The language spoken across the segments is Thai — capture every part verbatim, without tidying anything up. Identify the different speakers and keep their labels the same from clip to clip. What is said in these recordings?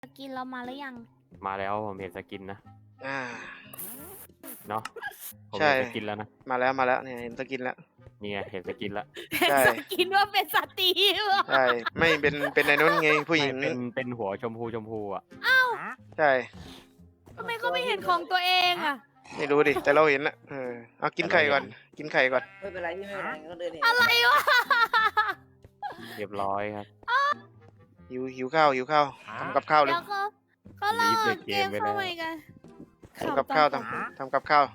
Speaker 1: สกินเรามาหรือยัง
Speaker 2: มาแล้วผมเห็นสกินนะ
Speaker 3: อ่า
Speaker 2: เนาะผม
Speaker 3: ใช่
Speaker 2: เห็นสกินแล้วนะ
Speaker 3: มาแล้วมาแล้วเนี่ยเห็นสกินแล้ว
Speaker 2: นี่ไงเห็นสกินแล้ว
Speaker 3: ใช่
Speaker 1: สกินว่าเป็นสตรีเหรอ
Speaker 3: ใช่ไม่เป็นเป็นในนู้นไงผู้หญิง
Speaker 2: ไม่เป็นเป็นหัวชมพูชมพูอ่ะ
Speaker 3: ใช่
Speaker 1: ทำไมเขาไม่เห็นของตัวเองอ่ะ
Speaker 3: ไม่รู้ดิแต่เราเห็นละเออเอากินไข่ก่อนกินไข่ก่อน
Speaker 4: ไม่เป็นไรพี่ไม่เป็นไรก็เดินเห็น
Speaker 1: อะไรวะ
Speaker 2: เรียบร้อยครับ
Speaker 3: หิวหิวข้าวหิวข้าวทำกับข้าวเลย
Speaker 1: แล้วเขาเขาลากเกมเข้ามาอีกกัน
Speaker 3: ทำกับข้าวทำทำกับข้าว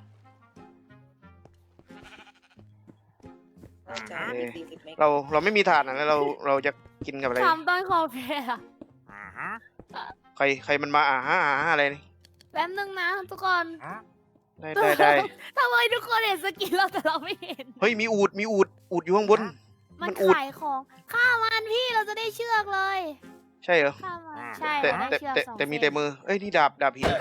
Speaker 4: น่าจะมีสี่สิบเมตร
Speaker 3: เราเราไม่มีถ่านอ่ะแล้วเราเราจะกินกับอะไร
Speaker 1: ทำต้นคอเพลอะ
Speaker 3: ใครใครมันมาอ่าฮะอ่าฮะอะไรนี่
Speaker 1: แป๊บนึงนะทุกคน
Speaker 3: ได้ได้ได้
Speaker 1: ทำไมทุกคนเห็นสกินเราแต่เราไม่เห็น
Speaker 3: เฮ้ยมีอูดมีอูดอูดอยู่ข้างบน
Speaker 1: มัน
Speaker 3: มันอุด
Speaker 1: ขายของฆ่ามันพี่เราจะได้เชือกเลย
Speaker 3: ใช่เหรอ
Speaker 1: ฆ่ามันใช่
Speaker 3: แต่
Speaker 1: เราได้
Speaker 3: แต่
Speaker 1: เชือก
Speaker 3: แต่
Speaker 1: สอง
Speaker 3: แต่มี
Speaker 1: เส้น
Speaker 3: แต่มือเอ้ยนี่ดาบดาบหิน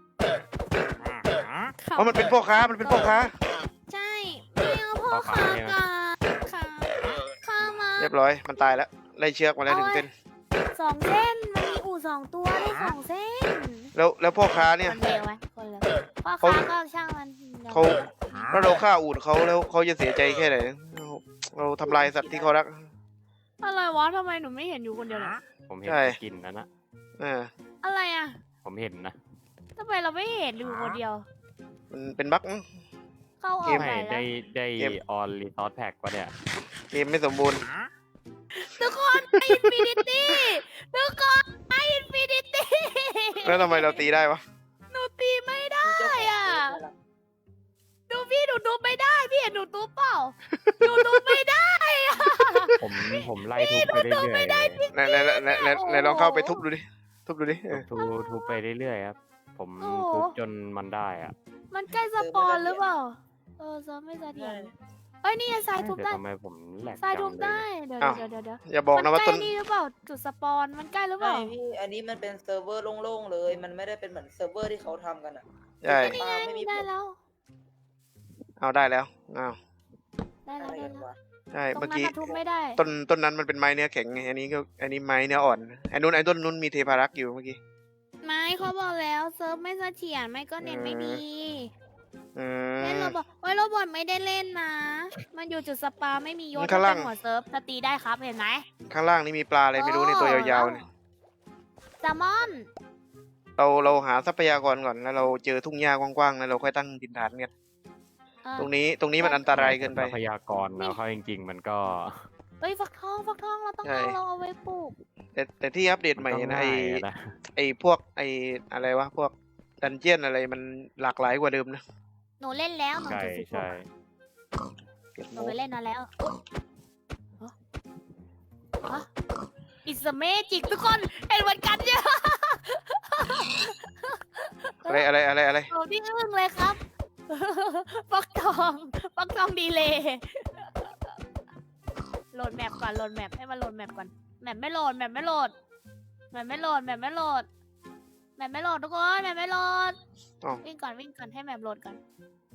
Speaker 1: ฆ่า
Speaker 3: เพราะมันเป็นพ่อค้ามันเป็นพ่อค้า
Speaker 1: ใช่ไม่เอาพ่อค้ากันค่ะฆ่ามัน
Speaker 3: เรียบร้อยมันตายแล้วไล่เชือกมาแล้วหนึ่งเส้น
Speaker 1: สองเส้นมันมีอู่สองตัวได้สองเส้น
Speaker 3: แล้วแล้วพ่อค้าเนี่ย
Speaker 1: คนเดียวไหมคนเลยพ่อ
Speaker 3: เขา
Speaker 1: ค้าก็ช่างมันดี๋ยว
Speaker 3: เขาแล้วเราฆ่าอูดเขาแล้วเขาจะเสียใจแค่ไหนเราเราทำลายสัตว์ที่เขารัก
Speaker 1: อะไรวะทำไมหนูไม่เห็นอยู่คนเดียวเลย
Speaker 2: ผมเห็น
Speaker 3: ใช่
Speaker 2: สกินนั้นนะ
Speaker 3: เออ
Speaker 1: อะไรอ่ะ
Speaker 2: ผมเห็นนะ
Speaker 1: ทำไมเราไม่เห็นอยู่คนเดียว
Speaker 3: มันเป็นบั๊กมั้ง
Speaker 1: เข้าอ
Speaker 3: เก
Speaker 1: อก
Speaker 3: ม
Speaker 1: ไหน
Speaker 2: ไม่
Speaker 1: แล้
Speaker 2: ได้
Speaker 1: ว
Speaker 2: ได้
Speaker 3: เกม
Speaker 2: ออนรีซอสแพ็กวะเนี่ย
Speaker 3: เกมไม่สมบูรณ์
Speaker 1: ทุกคนไออินฟินิตี้ทุกคนไออินฟินิตี้
Speaker 3: แล้วทำไมเราตีได้วะ
Speaker 1: หนูตีไม่ได้
Speaker 4: เจ้าของ
Speaker 1: อ่ะ
Speaker 4: เฟซ
Speaker 1: ดูพี่หนูดูไม่ได้พี่เห็นหนูตูเปล่าหนูดูไม่ได้อะ
Speaker 2: ผมผมไล่ทุบไปเรื่อยๆเลย
Speaker 3: ไหนไหนไหนไหนไหนลองเข้าไปทุบดูดิทุบดูดิเออ
Speaker 2: ทุบทุบไปเรื่อยๆครับ ผม
Speaker 1: โอ้โห
Speaker 2: ทุบจนมันได้อ่ะ
Speaker 1: มันใกล้สปอนหรือเปล่าเออเซิร์ฟไม่เสถียรเอ้ยนี่ไงทรายทุบ
Speaker 2: แต่
Speaker 1: ได้
Speaker 2: ทำไมผมแหลก
Speaker 1: ทราย
Speaker 2: จั
Speaker 1: ทุ
Speaker 2: ง
Speaker 1: บ
Speaker 2: เล
Speaker 1: ได้
Speaker 2: ย
Speaker 1: เดี๋ยวเดี๋ยวเดี๋ยวเดี๋ยว
Speaker 3: อย่าบอกนะว่า
Speaker 1: มั
Speaker 3: ต้
Speaker 1: ใก
Speaker 3: น
Speaker 1: ล้นี่หรือเปล่าจุดสปอนมันใกล้หรือเป
Speaker 4: ไม่
Speaker 1: ล่า
Speaker 4: พี่อันนี้มันเป็นเซิร์ฟเวอร์โล่งๆเลย มันไม่ได้เป็นเหมือนเซิร์ฟเวอร์ที่เขาทำกันอ่ะ
Speaker 3: ใช่
Speaker 1: นี่ไง
Speaker 4: ไม่มี
Speaker 1: ได้แล้ว
Speaker 3: เอาได้แล้วเอา
Speaker 1: ได้แล้ว
Speaker 4: อะไร
Speaker 1: ได้
Speaker 4: กัน
Speaker 1: แล้ว
Speaker 4: วะ
Speaker 3: ใช่
Speaker 1: ตรง
Speaker 3: เมื่อ
Speaker 1: นั้น
Speaker 3: กี้
Speaker 1: น่ะทุบไม่ได้
Speaker 3: ต้นต้นนั้นมันเป็นไม้เนื้อแข็งไงอันนี้ก็อันนี้ไม้เนื้ออ่อนไอ้นู้นไอ้ต้นนู้นมีเทพารักษ์อยู่เมื่อกี้
Speaker 1: ไม่เขาบอกแล้วเซิร์ฟไม่เสถียรไม่ก็เน็ตไม่ดี
Speaker 3: อื
Speaker 1: เล่น
Speaker 3: ม
Speaker 1: โรบอทโอ้ยโรบอทไม่ได้เล่นนะ มันอยู่จุดสปาไม่มียศ
Speaker 3: ข้างล่าง
Speaker 1: เป็นหัวเซิร์ฟจะตีได้ครับเห็นไหม
Speaker 3: ข้างล่างนี่มีปลาอะไรไม่รู้ในตัวยาวๆเนี่ย
Speaker 1: แซลมอน
Speaker 3: เราเราหาทรัพยากรก่อนแล้วเราเจอทุ่งหญ้ากว้างๆแล้วเราค่อยตั้งดินฐานกัน
Speaker 1: เออ
Speaker 3: ตรงนี้ตรงนี้มันอันตรายเกินไป
Speaker 2: ทรัพยากรนะเขาจริงๆ มันก็
Speaker 1: เฮ้ยฟักทองฟักทองเราต้อง
Speaker 3: ใช่
Speaker 1: เอาเราเอาไว้ปลูก
Speaker 3: แต่แต่ที่อัปเดตใหม่
Speaker 2: ก็
Speaker 3: นะ
Speaker 2: ง่า
Speaker 3: ไอย
Speaker 2: อะนะ
Speaker 3: ไอพวกไออะไรวะพวกดันเจียนอะไรมันหลากหลายกว่าเดิมนะ
Speaker 1: หนูเล่นแล้วหนู
Speaker 2: ใช่
Speaker 1: จุดสิบห
Speaker 2: ใช่
Speaker 1: ก
Speaker 3: เก็บ
Speaker 1: ห
Speaker 3: โม
Speaker 1: นูไปเล่นมาแล้วอิสเมจิกทุกคนเห็นเหมือนกันเนี่ย
Speaker 3: อะไรอะไรอะไรอะไร
Speaker 1: หนูที่อึ้งเลยครับ ฟักทองฟักทองดีเลยโหลดแมปก่อนโหลดแมปให้มันโหลดแมปก่อนแมปไม่โหลดแมปไม่โหลดแมปไม่โหลดแมปไม่โหลดแมปไม่โหลดทุกคนแมปไม่โหลด
Speaker 3: อ๋อ
Speaker 1: วิ่งก่อนวิ่งก่อนให้แมปโหลดก่อน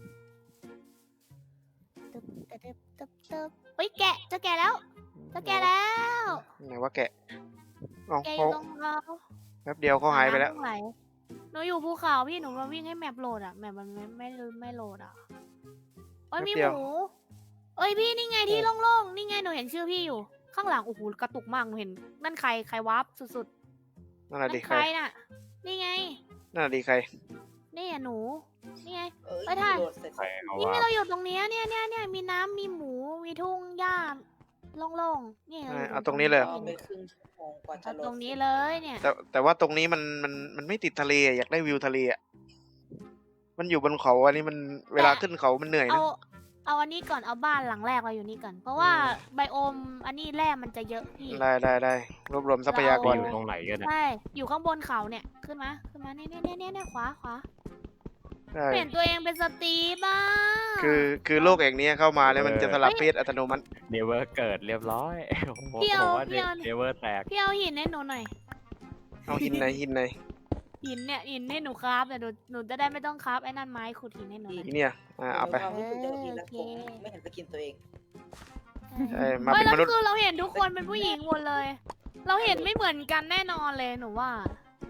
Speaker 1: ตึ๊บตึ๊บตึ๊บตึ๊บเฮ้ยแกะจะแกะแล้วจะแกะแล้ว
Speaker 3: ไหนว่าแกะอ๋อ
Speaker 1: แกะอ
Speaker 3: เขา
Speaker 1: ยู่ตรงเรา
Speaker 3: แป๊บเดียวเขาหายไปแล้ว
Speaker 1: น้ำตรงไหนหนูอยู่ภูเขาพี่หนูมาวิ่งให้แมปโหลดอ่ะแมปมันไม่ไม่ไม่โหลดอ่ะโอ้ยมีหมูเอ้ยพี่นี่ไงที่โล่งๆนี่ไงหนูเห็นชื่อพี่อยู่ ข้างหลังโอ้โหกระตุกมากหนูเห็นนั่นใครใครวาร์ปสุด
Speaker 3: นั่น
Speaker 1: ๆ
Speaker 3: น่ะ
Speaker 1: นั่
Speaker 3: ดี
Speaker 1: น
Speaker 3: ใค
Speaker 1: ใค
Speaker 3: ร
Speaker 1: รน่ะนี่ไง
Speaker 3: นั่นน่ะดีใคร
Speaker 1: นี่อ่ะหนูนี่ไง
Speaker 4: เอ้ย
Speaker 1: ไปถ่าย
Speaker 4: โหลดเสร็จ
Speaker 2: ใครเขา
Speaker 1: นี่
Speaker 2: ว่า
Speaker 1: ไงเราอยู่ตรงเนี้ยเนี่ยเนี่ยเนี่ยมีน้ำมีหมูมีทุ่งหญ้าโล่งๆนี่
Speaker 3: อ่าเอาตรงนี้เลยเหรอ
Speaker 4: เอาไปครึ่งชั่วโมงกว่าจะ
Speaker 1: เอา
Speaker 4: โหลด
Speaker 1: ตรงนี้เลยเนี่ย
Speaker 3: แต่แต่ว่าตรงนี้มันมันมันไม่ติดทะเลอะอยากได้วิวทะเลอะมันอยู่บนเขาอันนี้มันเวลาขึ้นเขามันเหนื่อย
Speaker 1: เอา
Speaker 3: นะ
Speaker 1: เอาอันนี้ก่อนเอาบ้านหลังแรกเราอยู่นี่ก่อนเพราะว่า
Speaker 3: อืม
Speaker 1: ไบโอมอันนี้แร่มันจะเยอะพี่
Speaker 3: ได้ได้ได้รวบรวมทรัพยากร
Speaker 2: อยู่
Speaker 3: นะ
Speaker 2: ตรงไหนกันเนี่ย
Speaker 1: ใช่ อยู่ข้างบนเขาเนี่ย ขึ้นมา ขึ้นมาเนี่ยเนี่ยเนี่ยเนี่ยเนี่ยขวาขวา
Speaker 3: ใช่
Speaker 1: เปลี่ยนตัวเองเป็นสตรีบ้า
Speaker 3: คือคือโลกแห่งนี้เข้ามาแล้วมันจะสลับเพศอัตโนมัติ
Speaker 2: เนเวอร์เกิดเรียบร้อยผม
Speaker 1: พี่เอา
Speaker 2: ผมว่า
Speaker 1: พี่เอา
Speaker 2: เนเวอร์แตก
Speaker 1: พี่เอาหินให้หนูหน่อย
Speaker 3: เอาหินไหนหินไหน
Speaker 1: หินเนี่ยหินให้หนูคราฟแต่หนูหนูจะได้ไม่ต้องคราฟไอ้นั่นไม้ขุดหินให้หนูหน่อย
Speaker 3: อีเนี่ยอ่าเอาไป
Speaker 4: ความที่คุณจะกินแล้ว
Speaker 1: โอเค
Speaker 4: ผมไม่เห็นสกินตัวเอง
Speaker 3: ใช่มา
Speaker 1: เฮ้ย
Speaker 3: เป็น
Speaker 1: แล้ว
Speaker 3: มนุษย์
Speaker 1: คือเราเห็นทุกคนเป็นผู้หญิงหมดเลย เราเห็นไม่เหมือนกันแน่นอนเลยหนูว่า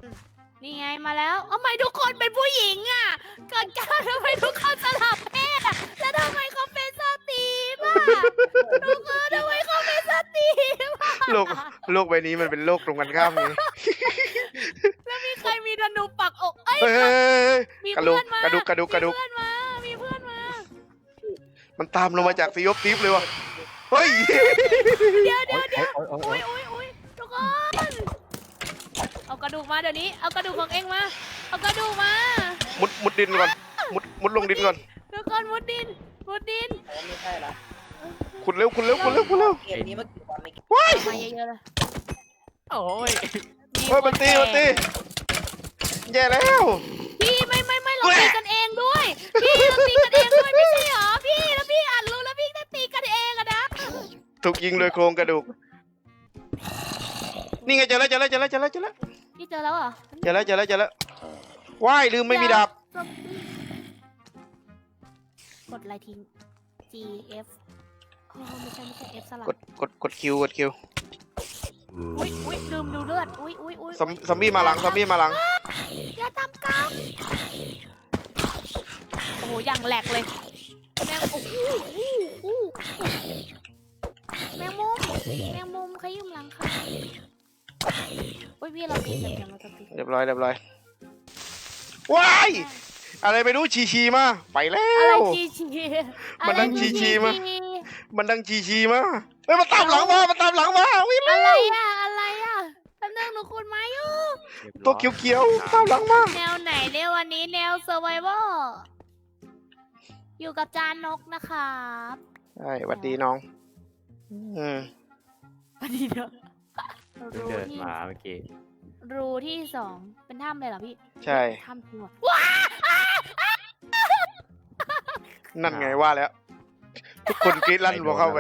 Speaker 1: นี่ไงมาแล้วเอาทำไมทุกคนเป็นผู้หญิงอ่ะเกิดการทำไมทุกคนสลับเพศอ่ะแล้วทำไมเขาเป็นสตรีมอ่ะทุกคนทำไมเขาเป็นสตรีมอ่ะ
Speaker 3: โลกโลกใบนี้มันเป็นโลกตรงกันข้ามไง
Speaker 1: แล้วมีใครมีธนูปักอกเอ้ย
Speaker 3: เฮ้ยเฮ้ยเฮ้ย
Speaker 1: มี
Speaker 3: กระดู
Speaker 1: เพื่
Speaker 3: ก
Speaker 1: อนมาก
Speaker 3: ระดูกกระดูกกระดูก
Speaker 1: มีเพื่อนมามีเพื่อนมา
Speaker 3: มันตามลงมาจากซีออฟทิฟเลยวะเฮ้ย
Speaker 1: เดี๋ยวเดี๋ยวเดี๋ยว
Speaker 2: โอ๊ยโอ๊ยโอ๊
Speaker 1: อุ้
Speaker 2: ย
Speaker 1: ยอุ้ยอุ้ยทุกคนเอากระดูกมาเดี๋ยวนี้เอากระดูกของเองมาเอากระดูกมา
Speaker 3: มุดมุดดินก่อนมุดมุดลงดินก่อน
Speaker 1: ทุกคนมุดดินมุดดิน
Speaker 4: อ๋อไม่ใช่ละ
Speaker 3: ขุดเร็วขุดเร็วขุดเร็วขุดเร็ว
Speaker 4: เกมนี้เมื่อกี่วันไม่กี่
Speaker 3: ว้าย
Speaker 1: เอามาเยอะๆเลย
Speaker 2: โอ้ย
Speaker 3: เฮ้ยมันตีมันตีแย่แล้ว
Speaker 1: พี่ไม่ไม่ไม่เราตีกันเองด้วย พี่เราตีกันเองด้วยไม่ใช่เหรอพี่แล้วพี่อ่านรู้แล้วพี่จะตีกันเองอะนะ
Speaker 3: ถูกยิงโดยโครงกระดูกนี่ไงเจอแล้วเจอแล้วเจอแล้วเจอแล้วเจอแล้ว
Speaker 1: พี่เจอแล้วเหรอ
Speaker 3: เจอแล้วเจอแล้วเจอแล้วว้ายลืมไม่มีดาบ
Speaker 1: กดอะไรทิ้ง G F อ๋อไม่ใช่ไม่ใช่ F สลับ
Speaker 3: กดกดกดคิวกดคิว
Speaker 1: อุ้ยอุ้ยลืมดูเลือดอุ้ยอุ้ยอุ้ย
Speaker 3: ซอมซอมบี้มาหลังซอมบี้มาหลัง
Speaker 1: อย่าทำกันโอ้โหอย่างแหลกเลยแมงโอ้โหโอ้โหแมงมุมแมงมุมขยุ่มหลังค่ะอุ้ยพี่เราตีกันเดี๋ยวเราจะตี
Speaker 3: เรียบร้อยเรียบร้อยว้ายอะไรไม่รู้ชีชีมาไปแล้
Speaker 1: อะไร
Speaker 3: ว
Speaker 1: ชีชี
Speaker 3: มันนั่ง
Speaker 1: อะไร
Speaker 3: ชีชีมา
Speaker 1: ชี
Speaker 3: มันดังชีชีมาเฮ้ยมันตามหลังมามันตามหลังมาวิ่ง
Speaker 1: อะไรอะอะไรอะแป๊บนึงหนูขุดไม้อยู่
Speaker 3: ตัวเขียวเขียวๆตามหลังมา
Speaker 1: แนวไหนเนี่ยวันนี้แนว survival อยู่กับจานนกนะครับ
Speaker 3: ใช่หวัดดีน้องอืม
Speaker 1: สวัสดีเด้อ
Speaker 2: เพิ่ง
Speaker 1: รู
Speaker 2: เดิน
Speaker 1: ที่
Speaker 2: มาเมื่อกี้
Speaker 1: รูที่สองเป็นถ้ำเลยเหรอพี่
Speaker 3: ใช่
Speaker 1: ถ้ำจริงเหรอ
Speaker 3: นั่นไงว่าแล้ว ทุกคนกรี๊ดลั่นพอเข้าไป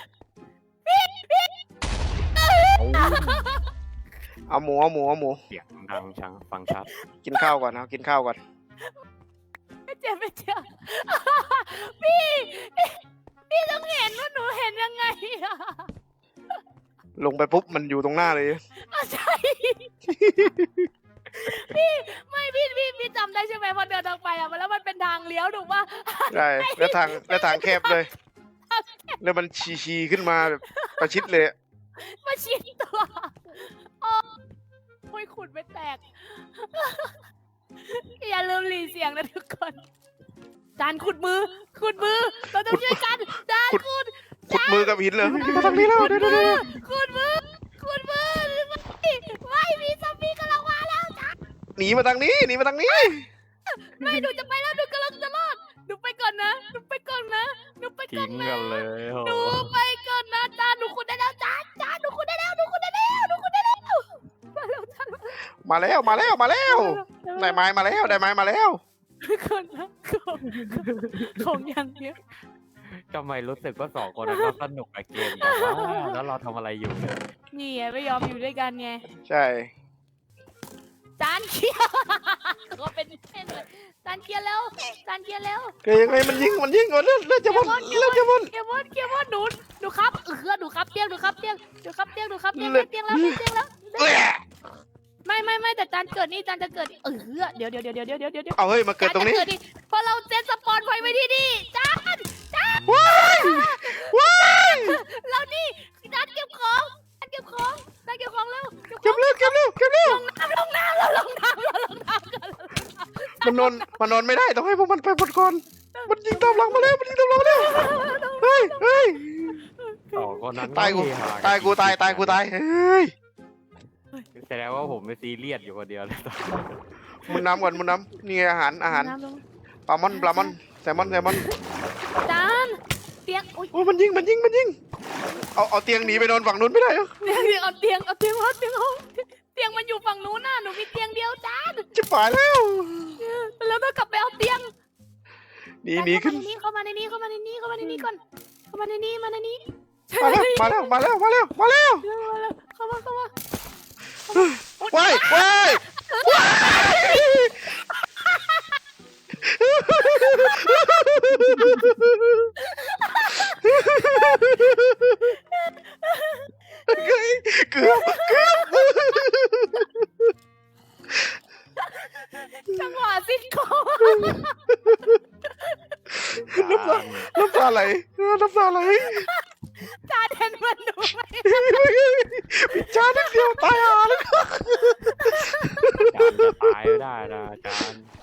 Speaker 3: เอาหมูเอาหมูเอาหมู
Speaker 2: เสียงดังชังฟังชัด
Speaker 3: กินข้าวก่อนเอากินข้าวก่อน
Speaker 1: ไม่เจ็บไม่เจ็บ พี่พี่พี่ต้องเห็นว่าหนูเห็นยังไงอะ
Speaker 3: ลงไปปุ๊บมันอยู่ตรงหน้าเลย
Speaker 1: อ่ะใช่ พี่ไม่พี่พี่พี่จำได้ใช่ไหมพอเดินทางไปอะแล้วมันเป็นทางเลี้ยวถูกปะ
Speaker 3: ใช่แล้วทางแล้วทางแคบเลย แล้วมันชีชีขึ้นมาแบบประชิดเลย
Speaker 1: มาชิดตัวโอ้ยขุดไม่แตก อย่าลืมหลีเสียงนะทุกคนจานขุดมือ ขุดมือ เราต้องช่วยกันจานขุด
Speaker 3: ขุดมือกับหินเลยมาทางนี้แล้วเดี๋ยวเดี๋ยวเดี๋ยว
Speaker 1: ขุดมือ ขุดมือไม่ไม่มีซอมบี้กำลังมาแล้วจาน
Speaker 3: หนีมาทางนี้หนีมาทางนี้
Speaker 1: ไม่หนูจะไปแล้วหนูกำลังจะรอดหนูไปก่อนนะหนูไปก่อนนะหนูไปก่
Speaker 2: ทิ้
Speaker 1: อน
Speaker 2: ง
Speaker 1: นะ
Speaker 2: กันเลยโอ้
Speaker 1: หนู
Speaker 2: โห
Speaker 1: ไปก่อนนะจานหนูขุดได้แล้วจานจานหนูขุดได้แล้วหนูขุดได้แล้วหนูขุดได้แล้วมาแล้วจาน
Speaker 3: มาแล้วมาแล้วมาแล้วได้ไม้มาแล้วได้ไม้มาแล้ว
Speaker 1: คนนะของของอย่างเนี้ย
Speaker 2: ทำไมรู้สึกว่าสองคนนั้นก็สนุกกับเกมแต่ว่าแล้วเราทำอะไรอยู่เนี่ย
Speaker 1: นี่ไงไม่ยอมอยู่ด้วยกันไง
Speaker 3: ใช่
Speaker 1: จานเคลียร์ก็เป็นเส้นเลยจานเคลียร์แล้วจานเคลียร์แล้ว
Speaker 3: เฮ้ยยังไงมันยิงมันยิงก่อนเลือดเลือดจะหมดเลือดจะหมด
Speaker 1: เคลียร์บอลเคลียร์บอลหนูหนูครับเออหนูครับเตียงหนูครับเตียงหนูครับเตียงหนูครับเตียงได้เตียงแล้วได้เตียงแล้ว
Speaker 3: เอ้ย
Speaker 1: ไม่ไม่ไม่แต่จานเกิดนี่จานจะเกิดเออเดี๋ยวเดี๋ยวเดี๋ยวเดี๋ยวเดี๋ยวเดี๋ยวเดี๋ยว
Speaker 3: เอาเฮ้ยมาเกิดตรงนี้
Speaker 1: จาจะเพราะเราเซตสปอนไว้ไว้ที่นี่จานจาน
Speaker 3: ว้ายว้าย
Speaker 1: เรานี่จานเก็บของจานเก็บของจานเก็บของเร็วเก็บข
Speaker 3: เก็
Speaker 1: อบ ง
Speaker 3: เร็วเก็บเร็วเก็บเร็ว
Speaker 1: ลงน้ำเราลงน้ำเราลงน้ำกัน
Speaker 3: มันนอนมันนอนไม่ได้ต้องให้พวกมันไปหมดก่อนมันยิงตามหลังมาแล้วมันยิงตามหลังมาแล้วเฮ้ยเฮ้ย
Speaker 2: สองคนนั้น
Speaker 3: ตายกู
Speaker 2: ไม่มีห
Speaker 3: ตายกูตายตายกูตายเฮ้ย
Speaker 2: แสดงว่าผมไม่ซีเรียสอยู่คนเดียวเลย
Speaker 3: มุนน้ำก่อนมุนน้ำนี่ไงอาหารอาหาร
Speaker 1: น้ำลง
Speaker 3: ปลาหมอนปลาหมอนแซลมอนแซลมอน
Speaker 1: จานเตียงอุ้ย
Speaker 3: โอ้ยมันยิงมันยิงมันยิงเอาเอาเตียงหนีไปนอนฝั่งนู้นไม่ได้เหรอ
Speaker 1: เตียงเอาเตียงเอาเตียงเอาเตียงเอาเตียงมันอยู่ฝั่งนู้นน่ะหนูมีเตียงเดียวจาน
Speaker 3: จะป่ายแล้ว
Speaker 1: แล้วต้องกลับไปเอาเตียง
Speaker 3: หนีหนีขึ้น
Speaker 1: เข้ามาในนี้เข้ามาในนี้เข้ามาในนี้ก่อนเข้ามาในนี้มาในนี้
Speaker 3: มาแล้วมาแล้วมาแล้วมาแล้วมาแล้ว
Speaker 1: เข้ามาเข้ามา
Speaker 3: ว้ายว้ายว้ายเกือบเกือบ
Speaker 1: จังหวะซิทคอม
Speaker 3: น้ำตาน้ำตาไหลน้ำตาไหล
Speaker 1: จานเห็นมันดูไหม
Speaker 3: พิจารณ์นิดเดียวตายห่าแล้ว
Speaker 2: จานจะตายไม่ได้นะจาน